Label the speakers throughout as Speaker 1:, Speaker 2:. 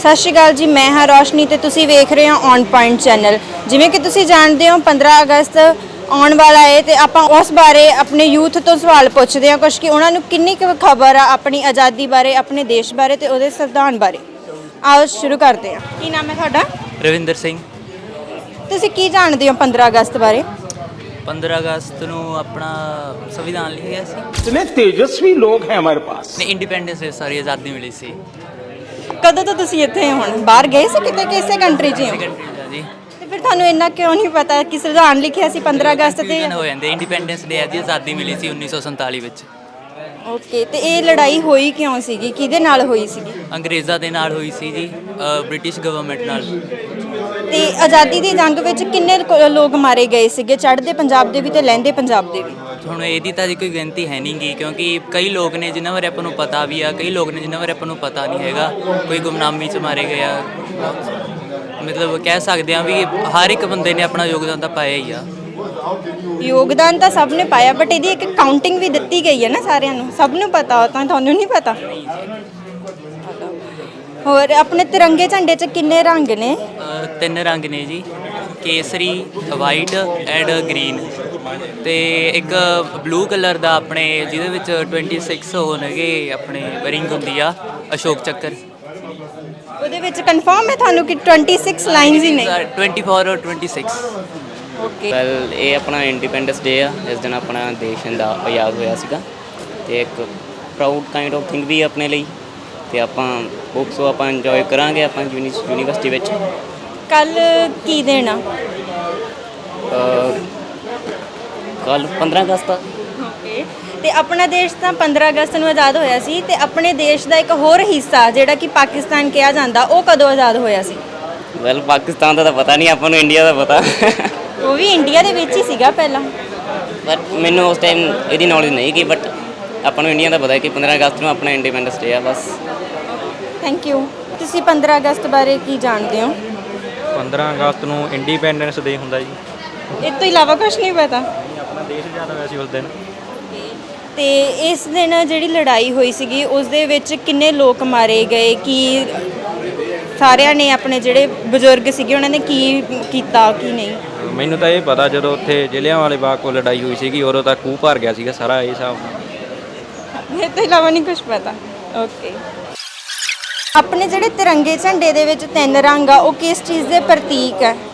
Speaker 1: सत श्री अकाल जी, मैं हाँ रोशनी तो तुसी वेख रहे हो ऑन पॉइंट चैनल। जिमें कि तुसी जानते हो 15 अगस्त आने वाला है तो आप उस बारे अपने यूथ तो सवाल पूछते हैं कुछ कि उन्होंने किन्नी खबर आ अपनी आज़ादी बारे, अपने देश बारे तो उहदे संविधान बारे। आओ शुरू करते हैं। की नाम है तुहाडा?
Speaker 2: रविंदर सिंह।
Speaker 1: तुसी की जानते हो 15 अगस्त बारे?
Speaker 2: 15 अगस्त ਨੂੰ ਆਪਣਾ ਸੰਵਿਧਾਨ ਲਿਖਿਆ ਸੀ।
Speaker 3: इतने तेजस्वी लोग हैं हमारे पास।
Speaker 2: ਨੇ ਇੰਡੀਪੈਂਡੈਂਸ ਦੇ ਸਾਰੀ ਆਜ਼ਾਦੀ ਮਿਲੀ ਸੀ।
Speaker 1: कदों तो तुसी इत्थे हुण बाहर गए सी किते किसे कंट्री च हो?
Speaker 2: ਕੰਟਰੀ ਦਾ ਜੀ
Speaker 1: ते फिर थानू इन्ना क्यों नहीं पता कि संविधान लिखिया सी 15 अगस्त ते?
Speaker 2: ਕੰਫਿਊਜ਼ਨ ਹੋ ਜਾਂਦੇ। ਇੰਡੀਪੈਂਡੈਂਸ ਡੇ ਦੀ ਆਜ਼ਾਦੀ ਮਿਲੀ ਸੀ 1947 ਵਿੱਚ।
Speaker 1: ओके, तो ये लड़ाई होई क्यों सीगी, किहदे नाल होई सीगी?
Speaker 2: ਅੰਗਰੇਜ਼ਾਂ ਦੇ ਨਾਲ ਹੋਈ ਸੀ ਜੀ, ਬ੍ਰਿਟਿਸ਼ ਗਵਰਨਮੈਂਟ ਨਾਲ।
Speaker 1: ਤੇ ਆਜ਼ਾਦੀ ਦੀ ਜੰਗ ਵਿੱਚ ਕਿੰਨੇ ਲੋਕ ਮਾਰੇ ਗਏ ਸੀਗੇ, ਚੜ੍ਹਦੇ ਪੰਜਾਬ ਦੇ ਵੀ ਤੇ ਲਹਿੰਦੇ ਪੰਜਾਬ ਦੇ ਵੀ?
Speaker 2: ਹੁਣ ਇਹਦੀ ਤਾਂ ਜੀ ਕੋਈ ਗਿਣਤੀ ਹੈ ਨਹੀਂ ਗੀ, ਕਿਉਂਕਿ ਕਈ ਲੋਕ ਨੇ ਜਿਨ੍ਹਾਂ ਬਾਰੇ ਆਪਾਂ ਨੂੰ ਪਤਾ ਵੀ ਆ, ਕਈ ਲੋਕ ਨੇ ਜਿਨ੍ਹਾਂ ਬਾਰੇ ਆਪਾਂ ਨੂੰ ਪਤਾ ਨਹੀਂ ਹੈਗਾ। ਕੋਈ ਗੁਮਨਾਮੀ 'ਚ ਮਾਰੇ ਗਏ ਆ। ਮਤਲਬ ਕਹਿ ਸਕਦੇ ਆ ਵੀ ਹਰ ਇੱਕ ਬੰਦੇ ਨੇ ਆਪਣਾ ਯੋਗਦਾਨ ਤਾਂ ਪਾਇਆ ਹੀ ਆ।
Speaker 1: ਯੋਗਦਾਨ ਤਾਂ ਸਭ ਨੇ ਪਾਇਆ, ਬਟ ਇਹਦੀ ਇੱਕ ਕਾਊਂਟਿੰਗ ਵੀ ਦਿੱਤੀ ਗਈ ਹੈ ਨਾ ਸਾਰਿਆਂ ਨੂੰ, ਸਭ ਨੂੰ ਪਤਾ ਹੋ ਤਾਂ ਤੁਹਾਨੂੰ ਨਹੀਂ ਪਤਾ? ਹੋਰ ਆਪਣੇ ਤਿਰੰਗੇ ਝੰਡੇ 'ਚ ਕਿੰਨੇ ਰੰਗ ਨੇ?
Speaker 2: 3 ਰੰਗ ਨੇ ਜੀ, ਕੇਸਰੀ, ਵਾਈਟ ਐਂਡ ਗ੍ਰੀਨ, ਤੇ ਇੱਕ ਬਲੂ ਕਲਰ ਦਾ ਆਪਣੇ ਜਿਹਦੇ ਵਿੱਚ 26 ਹੋਣਗੇ ਆਪਣੇ ਰਿੰਗ ਹੁੰਦੀ ਆ, ਅਸ਼ੋਕ ਚੱਕਰ।
Speaker 1: ਉਹਦੇ ਵਿੱਚ ਕਨਫਰਮ ਹੈ ਤੁਹਾਨੂੰ ਕਿ 26 ਲਾਈਨਸ ਹੀ ਨੇ?
Speaker 2: 24 ਔਰ 26।
Speaker 1: ਓਕੇ,
Speaker 4: ਵੈਲ ਇਹ ਆਪਣਾ ਇੰਡੀਪੈਂਡੈਂਸ ਡੇ ਆ, ਇਸ ਦਿਨ ਆਪਣਾ ਦੇਸ਼ ਦਾ ਆਜ਼ਾਦ ਹੋਇਆ ਸੀਗਾ ਅਤੇ ਇੱਕ ਪ੍ਰਾਊਡ ਕਾਈਂਡ ਆਫ ਥਿੰਗ ਵੀ ਆਪਣੇ ਲਈ, ਅਤੇ ਆਪਾਂ ਬੁੱਕਸ ਉਹ ਆਪਾਂ ਇੰਜੋਏ ਕਰਾਂਗੇ ਆਪਾਂ ਯੂਨੀਵਰਸਿਟੀ ਵਿੱਚ।
Speaker 1: ਕੱਲ ਕੀ ਦੇਣਾ?
Speaker 4: ਕੱਲ੍ਹ 15 ਅਗਸਤ ਆ।
Speaker 1: ਓਕੇ, ਤੇ ਆਪਣਾ ਦੇਸ਼ ਤਾਂ 15 ਅਗਸਤ ਨੂੰ ਆਜ਼ਾਦ ਹੋਇਆ ਸੀ, ਤੇ ਆਪਣੇ ਦੇਸ਼ ਦਾ ਇੱਕ ਹੋਰ ਹਿੱਸਾ ਜਿਹੜਾ ਕਿ ਪਾਕਿਸਤਾਨ ਕਿਹਾ ਜਾਂਦਾ, ਉਹ ਕਦੋਂ ਆਜ਼ਾਦ ਹੋਇਆ ਸੀ?
Speaker 4: ਵੈਲ ਪਾਕਿਸਤਾਨ ਦਾ ਤਾਂ ਪਤਾ ਨਹੀਂ, ਆਪਾਂ ਨੂੰ ਇੰਡੀਆ ਦਾ ਪਤਾ।
Speaker 1: ਉਹ ਵੀ ਇੰਡੀਆ ਦੇ ਵਿੱਚ ਹੀ ਸੀਗਾ ਪਹਿਲਾਂ।
Speaker 4: ਬਟ ਮੈਨੂੰ ਉਸ ਟਾਈਮ ਇਹਦੀ ਨੌਲੇਜ ਨਹੀਂ ਗੀ, ਬਟ ਆਪਾਂ ਨੂੰ ਇੰਡੀਆ ਦਾ ਪਤਾ ਕਿ 15 ਅਗਸਤ ਨੂੰ ਆਪਣਾ ਇੰਡੀਪੈਂਡੈਂਸ ਡੇ ਆ ਬਸ।
Speaker 1: Thank you. ਤੁਸੀਂ 15 ਅਗਸਤ ਬਾਰੇ ਕੀ ਜਾਣਦੇ ਹੋ?
Speaker 5: 15 ਅਗਸਤ ਨੂੰ ਇੰਡੀਪੈਂਡੈਂਸ ਡੇ ਹੁੰਦਾ ਜੀ।
Speaker 1: ਇਸ ਤੋਂ ਇਲਾਵਾ ਕੁਝ ਨਹੀਂ ਪਤਾ?
Speaker 5: ਆਪਣਾ ਦੇਸ਼ ਆਜ਼ਾਦ ਹੋਇਆ ਸੀ ਉਸ ਦਿਨ।
Speaker 1: ਤੇ ਇਸ ਦਿਨ ਜਿਹੜੀ ਲੜਾਈ ਹੋਈ ਸੀਗੀ ਉਸ ਦੇ ਵਿੱਚ ਕਿੰਨੇ ਲੋਕ ਮਾਰੇ ਗਏ? ਕੀ ਸਾਰਿਆਂ ਨੇ ਆਪਣੇ ਜਿਹੜੇ ਬਜ਼ੁਰਗ ਸੀਗੇ ਉਹਨਾਂ ਨੇ ਕੀ ਕੀਤਾ ਕੀ ਨਹੀਂ?
Speaker 5: ਮੈਨੂੰ ਤਾਂ ਇਹ ਪਤਾ ਜਦੋਂ ਉੱਥੇ ਜਲਿਆਂਵਾਲੇ ਬਾਗ ਕੋਲ ਲੜਾਈ ਹੋਈ ਸੀਗੀ ਉਦੋਂ ਤਾਂ ਖੂਹ ਭਰ ਗਿਆ ਸੀਗਾ ਸਾਰਾ, ਇਹ ਹਿਸਾਬ ਨਾਲ।
Speaker 1: ਇਹ ਤੋਂ ਇਲਾਵਾ ਨਹੀਂ ਕੁਝ ਪਤਾ। ਓਕੇ, ਆਪਣੇ ਜਿਹੜੇ ਤਿਰੰਗੇ ਝੰਡੇ ਦੇ ਵਿੱਚ 3 ਰੰਗ ਆ ਉਹ ਕਿਸ ਚੀਜ਼ ਦੇ ਪ੍ਰਤੀਕ ਹੈ?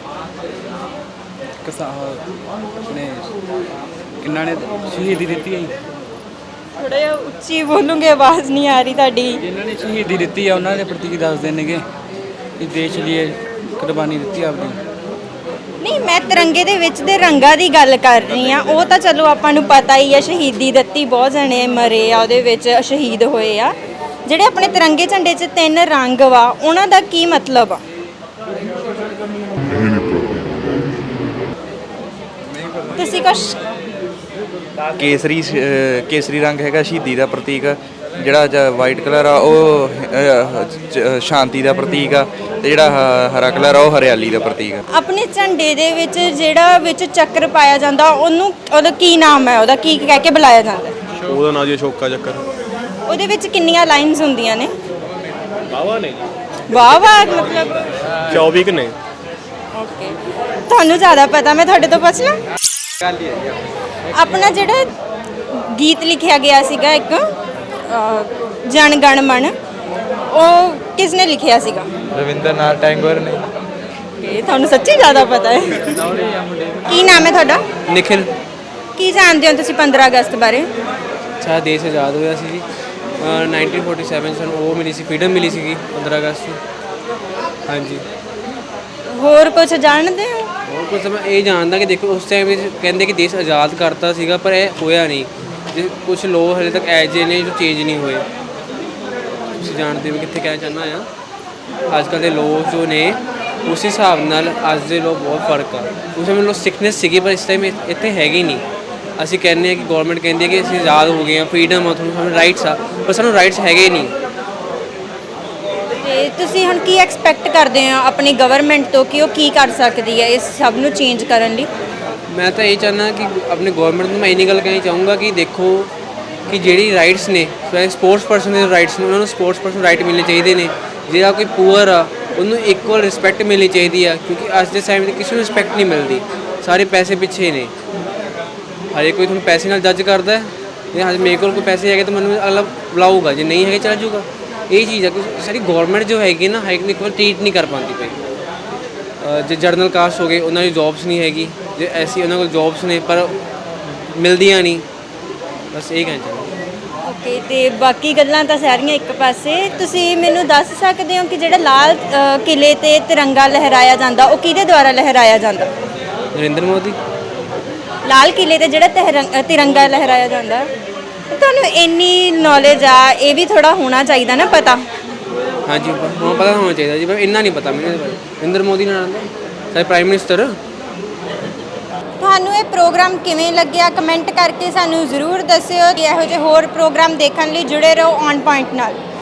Speaker 6: ਨੇ ਕਿੰਨਾ ਨੇ ਸ਼ਹੀਦੀ ਦਿੱਤੀ ਹੈ ਜੀ।
Speaker 1: ਥੋੜਾ ਜਿਹਾ ਉੱਚੀ ਬੋਲੂਗੇ, ਆਵਾਜ਼ ਨਹੀਂ ਆ ਰਹੀ ਤੁਹਾਡੀ।
Speaker 6: ਜਿਨ੍ਹਾਂ ਨੇ ਸ਼ਹੀਦੀ ਦਿੱਤੀ ਆ ਉਹਨਾਂ ਦੇ ਪ੍ਰਤੀਕ ਦੱਸਦੇ ਨੇਗੇ ਕਿ ਦੇਸ਼ ਲਈ ਕੁਰਬਾਨੀ ਦਿੱਤੀ ਆਪਣੀ।
Speaker 1: ਨਹੀਂ, ਮੈਂ ਤਿਰੰਗੇ ਦੇ ਵਿੱਚ ਦੇ ਰੰਗਾਂ ਦੀ ਗੱਲ ਕਰ ਰਹੀ ਹਾਂ। ਉਹ ਤਾਂ ਚਲੋ ਆਪਾਂ ਨੂੰ ਪਤਾ ਹੀ ਆ, ਸ਼ਹੀਦੀ ਦਿੱਤੀ, ਬਹੁਤ ਜਣੇ ਮਰੇ ਆ ਉਹਦੇ ਵਿੱਚ, ਸ਼ਹੀਦ ਹੋਏ ਆ। ਜਿਹੜੇ ਆਪਣੇ ਤਿਰੰਗੇ ਝੰਡੇ 'ਚ 3 ਰੰਗ ਵਾ ਉਹਨਾਂ ਦਾ ਕੀ ਮਤਲਬ ਆ? ਤੁਸੀਂ ਕੁਛ?
Speaker 7: ਕੇਸਰੀ ਰੰਗ ਹੈਗਾ ਸ਼ਹੀਦੀ ਦਾ ਪ੍ਰਤੀਕ, ਜਿਹੜਾ ਵਾਈਟ ਕਲਰ ਆ ਉਹ ਸ਼ਾਂਤੀ ਦਾ ਪ੍ਰਤੀਕ ਆ, ਤੇ ਜਿਹੜਾ ਹਰਾ ਕਲਰ ਆ ਉਹ ਹਰਿਆਲੀ ਦਾ ਪ੍ਰਤੀਕ ਆ।
Speaker 1: ਆਪਣੇ ਝੰਡੇ ਦੇ ਵਿੱਚ ਜਿਹੜਾ ਵਿੱਚ ਚੱਕਰ ਪਾਇਆ ਜਾਂਦਾ ਉਹਦਾ ਕੀ ਨਾਮ ਹੈ? ਉਹਦਾ ਕੀ ਕਹਿ ਕੇ ਬੁਲਾਇਆ ਜਾਂਦਾ?
Speaker 8: ਉਹਦਾ ਨਾਂ ਜੀ ਅਸ਼ੋਕਾ ਚੱਕਰ।
Speaker 1: ਉਹਦੇ ਵਿੱਚ ਕਿੰਨੀਆਂ ਲਾਈਨਸ ਹੁੰਦੀਆਂ ਨੇ?
Speaker 8: ਵਾਹਵਾ ਨੇ,
Speaker 1: ਵਾਹ ਵਾਹ, ਮਤਲਬ
Speaker 8: 24 ਕਿ ਨੇ।
Speaker 1: ਓਕੇ, ਤੁਹਾਨੂੰ ਜ਼ਿਆਦਾ ਪਤਾ, ਮੈਂ ਤੁਹਾਡੇ ਤੋਂ ਪੁੱਛ ਲਾਂ। ਆਪਣਾ ਜਿਹੜਾ ਗੀਤ ਲਿਖਿਆ ਗਿਆ ਸੀਗਾ ਇੱਕ ਜਨ ਗਣ ਮਨ, ਉਹ ਕਿਸ ਨੇ ਲਿਖਿਆ ਸੀਗਾ?
Speaker 7: ਰਵਿੰਦਰਨਾਥ ਟੈਗੋਰ ਨੇ।
Speaker 1: ਇਹ ਤੁਹਾਨੂੰ ਸੱਚੀ ਜ਼ਿਆਦਾ ਪਤਾ ਹੈ। ਕੀ ਨਾਮ ਹੈ ਤੁਹਾਡਾ?
Speaker 6: ਨਿਖਿਲ।
Speaker 1: ਕੀ ਜਾਣਦੇ ਹੋ ਤੁਸੀਂ 15 ਅਗਸਤ ਬਾਰੇ?
Speaker 6: ਸਾਡਾ ਦੇਸ਼ ਆਜ਼ਾਦ ਹੋਇਆ ਸੀ ਜੀ 1947 ਸਾਨੂੰ ਉਹ ਮਿਲੀ ਸੀ, ਫਰੀਡਮ ਮਿਲੀ ਸੀਗੀ 15 ਅਗਸਤ ਨੂੰ। ਹਾਂਜੀ।
Speaker 1: ਹੋਰ ਕੁਝ ਜਾਣਦੇ ਹੋ?
Speaker 6: ਹੋਰ ਕੁਝ ਮੈਂ ਇਹ ਜਾਣਦਾ ਕਿ ਦੇਖੋ ਉਸ ਟਾਈਮ ਵਿੱਚ ਕਹਿੰਦੇ ਕਿ ਦੇਸ਼ ਆਜ਼ਾਦ ਕਰਤਾ ਸੀਗਾ, ਪਰ ਇਹ ਹੋਇਆ ਨਹੀਂ। ਜੇ ਕੁਝ ਲੋਕ ਹਲੇ ਤੱਕ ਐਜ ਨੇ ਜੋ ਚੇਂਜ ਨਹੀਂ ਹੋਏ। ਤੁਸੀਂ ਜਾਣਦੇ ਹੋ ਕਿੱਥੇ ਕਹਿਣਾ ਚਾਹੁੰਦਾ ਆ, ਅੱਜ ਕੱਲ੍ਹ ਦੇ ਲੋਕ ਜੋ ਨੇ ਉਸ ਹਿਸਾਬ ਨਾਲ ਅੱਜ ਦੇ ਲੋਕ ਬਹੁਤ ਫਰਕ ਆ। ਉਸ ਸਮੇਂ ਲੋਕ ਸਿਕਨੈਸ ਸੀਗੀ, ਪਰ ਇਸ ਟਾਈਮ ਇੱਥੇ ਹੈਗੀ ਨਹੀਂ। ਅਸੀਂ ਕਹਿੰਦੇ ਹਾਂ ਕਿ ਗੌਰਮੈਂਟ ਕਹਿੰਦੀ ਹੈ ਕਿ ਅਸੀਂ ਆਜ਼ਾਦ ਹੋ ਗਏ ਹਾਂ, ਫਰੀਡਮ ਆ, ਤੁਹਾਨੂੰ ਸਾਨੂੰ ਰਾਈਟਸ ਆ, ਪਰ ਸਾਨੂੰ ਰਾਈਟਸ ਹੈਗੇ ਨਹੀਂ।
Speaker 1: ਤੇ ਤੁਸੀਂ ਹੁਣ ਕੀ ਐਕਸਪੈਕਟ ਕਰਦੇ ਹੋ ਆਪਣੀ ਗਵਰਨਮੈਂਟ ਤੋਂ ਕਿ ਉਹ ਕੀ ਕਰ ਸਕਦੀ ਹੈ ਇਸ ਸਭ ਨੂੰ ਚੇਂਜ ਕਰਨ ਲਈ?
Speaker 6: ਮੈਂ ਤਾਂ ਇਹ ਚਾਹੁੰਦਾ ਕਿ ਆਪਣੀ ਗੌਰਮੈਂਟ ਨੂੰ ਮੈਂ ਇੰਨੀ ਗੱਲ ਕਹਿਣੀ ਚਾਹੂੰਗਾ ਕਿ ਦੇਖੋ ਕਿ ਜਿਹੜੀ ਰਾਈਟਸ ਨੇ, ਸਪੋਰਟਸ ਪਰਸਨ ਦੇ ਰਾਈਟਸ ਨੇ, ਉਹਨਾਂ ਨੂੰ ਸਪੋਰਟਸ ਪਰਸਨ ਰਾਈਟ ਮਿਲਣੇ ਚਾਹੀਦੇ ਨੇ। ਜਿਹੜਾ ਕੋਈ ਪੂਅਰ ਆ ਉਹਨੂੰ ਇਕੁਅਲ ਰਿਸਪੈਕਟ ਮਿਲਣੀ ਚਾਹੀਦੀ ਆ, ਕਿਉਂਕਿ ਅੱਜ ਦੇ ਟਾਈਮ 'ਤੇ ਕਿਸੇ ਨੂੰ ਰਿਸਪੈਕਟ ਨਹੀਂ ਮਿਲਦੀ, ਸਾਰੇ ਪੈਸੇ ਪਿੱਛੇ ਨੇ। ਹਰੇ ਕੋਈ ਤੁਹਾਨੂੰ ਪੈਸੇ ਨਾਲ ਜੱਜ ਕਰਦਾ ਹੈ, ਜੇ ਹਜੇ ਮੇਰੇ ਕੋਲ ਕੋਈ ਪੈਸੇ ਹੈਗੇ ਤਾਂ ਮੈਨੂੰ ਅਗਲਾ ਬੁਲਾਊਗਾ, ਜੇ ਨਹੀਂ ਹੈਗੇ ਚੱਲ ਜਾਊਗਾ। ਇਹ ਚੀਜ਼ ਆ ਕਿ ਸਾਡੀ ਗੌਰਮੈਂਟ ਜੋ ਹੈਗੀ ਨਾ ਹਾਈਕ ਨੂੰ ਇੱਕ ਵਾਰ ਟਰੀਟ ਨਹੀਂ ਕਰ ਪਾਉਂਦੀ ਪਈ। ਜੇ ਜਰਨਲ ਕਾਸਟ ਹੋ ਗਏ ਉਹਨਾਂ ਦੀ ਜੌਬਸ ਨਹੀਂ ਹੈਗੀ, ਜੇ ਐਸੀ ਉਹਨਾਂ ਕੋਲ ਜੌਬਸ ਨੇ ਪਰ ਮਿਲਦੀਆਂ ਨਹੀਂ, ਬਸ ਇਹ ਕਹਿਣਾ ਚਾਹੁੰਦਾ।
Speaker 1: ਓਕੇ, ਤੇ ਬਾਕੀ ਗੱਲਾਂ ਤਾਂ ਸਾਰੀਆਂ ਇੱਕ ਪਾਸੇ। ਤੁਸੀਂ ਮੈਨੂੰ ਦੱਸ ਸਕਦੇ ਹੋ ਕਿ ਜਿਹੜਾ ਲਾਲ ਕਿਲੇ ਤੇ ਤਿਰੰਗਾ ਲਹਿਰਾਇਆ ਜਾਂਦਾ ਉਹ ਕਿਹਦੇ ਦੁਆਰਾ ਲਹਿਰਾਇਆ ਜਾਂਦਾ?
Speaker 6: ਨਰਿੰਦਰ ਮੋਦੀ।
Speaker 1: ਲਾਲ ਕਿਲੇ ਤੇ ਜਿਹੜਾ ਤਿਰੰਗਾ ਲਹਿਰਾਇਆ ਜਾਂਦਾ, ਤੁਹਾਨੂੰ ਇੰਨੀ ਨੌਲੇਜ ਆ, ਇਹ ਵੀ ਥੋੜਾ ਹੋਣਾ ਚਾਹੀਦਾ ਨਾ ਪਤਾ।
Speaker 6: ਹਾਂਜੀ ਹਾਂ, ਪਤਾ ਹੋਣਾ ਚਾਹੀਦਾ ਜੀ, ਪਰ ਇੰਨਾ ਨਹੀਂ ਪਤਾ ਮੈਨੂੰ ਇਹਦੇ ਬਾਰੇ। ਨਰਿੰਦਰ ਮੋਦੀ ਨਾਲ ਸਾਡੇ ਪ੍ਰਾਈਮ ਮਿਨਿਸਟਰ।
Speaker 1: ਤੁਹਾਨੂੰ ਇਹ ਪ੍ਰੋਗਰਾਮ ਕਿਵੇਂ ਲੱਗਿਆ ਕਮੈਂਟ ਕਰਕੇ ਸਾਨੂੰ ਜ਼ਰੂਰ ਦੱਸਿਓ। ਇਹੋ ਜਿਹੇ ਹੋਰ ਪ੍ਰੋਗਰਾਮ ਦੇਖਣ ਲਈ ਜੁੜੇ ਰਹੋ ਔਨ ਪੁਆਇੰਟ ਨਾਲ।